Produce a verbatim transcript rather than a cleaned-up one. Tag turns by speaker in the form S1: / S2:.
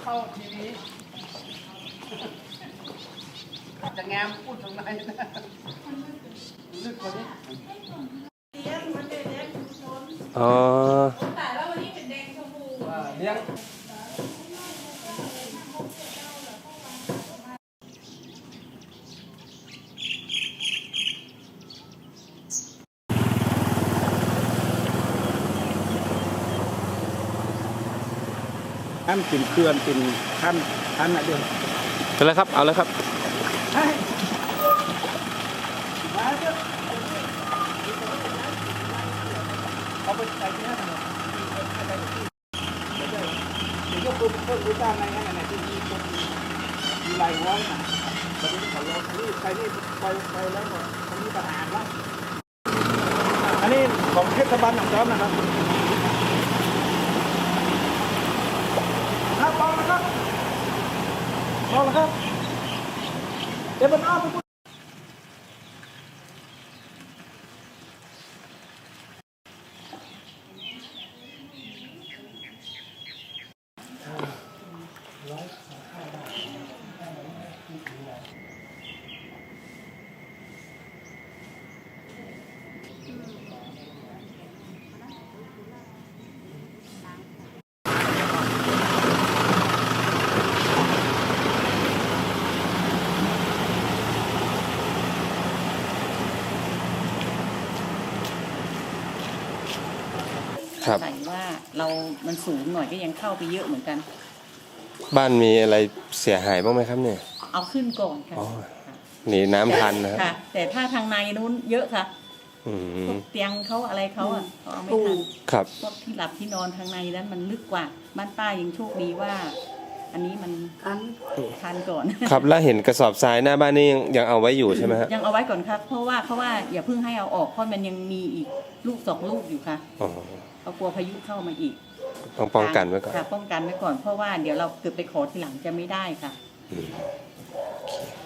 S1: เข้าทีวีจะแงมพูดตรงไหนนะลึกกว่านี้
S2: อ๋อ
S3: แต่แล้ววันนี้เป็นแดงชมพู
S1: เลี้ยงท่านกินเคลื่อนกินท่านท่านอะเดียว
S2: เป็นไรครับเอาเลยครับ
S1: เอาไปใส่ที่นั่นเลยเดี๋ยวก็คือเพิ่มรู้จ้างอะไรนั่นแหละที่มีคนมีลายว้องนะตอนนี้เขาลงนี่ใครนี่ไปไปแล้วก็ตอนนี้ประหารแล้วอันนี้ของเทศบาลหนองจอมนะครับครับลองนะครับลองนะครับเดี๋ยวมันอ้อมไป
S2: ครับ
S3: แต่ว่าเรา มันสูงหน่อยก็ยังเข้าไปเยอะเหมือนกัน
S2: บ้านมีอะไรเสียหายบ้างไหมครับเนี่ย
S3: เอาขึ้นก่อนค่ะ
S2: อ๋อหนีน้ำทันนะครับ
S3: ค่ะ แต่ถ้าทางในนู้นเยอะค่ะ
S2: อื
S3: พว
S2: ม
S3: กเตียงเขาอะไรเขาอ่ะเขาเอาไม่ทัน
S2: ครับ
S3: พวกที่หลับที่นอนทางในนั้นมันลึกกว่าบ้านป้ายังโชคดีว่า อันนี้มันทันทันก่อน
S2: ครับแล้วเห็นกระสอบทรายหน้าบ้านนี่ยังยังเอาไว้อยู่ใช่ไหมฮะ
S3: ยังเอาไว้ก่อนครับ เพราะว่าเขาว่าอย่าเพิ่งให้เอาออกเพราะมันยังมีอีกลูกสองลูกอยู่ค่ะ
S2: อ๋อ
S3: เขากลัวพายุเข้ามาอีก
S2: ต้องป้องกันไว้ก่อน
S3: ค่ะป้องกันไว้ก่อนเพราะว่าเดี๋ยวเราเกิดไปขอทีหลังจะไม่ได้ค่ะ
S2: อืมโอเค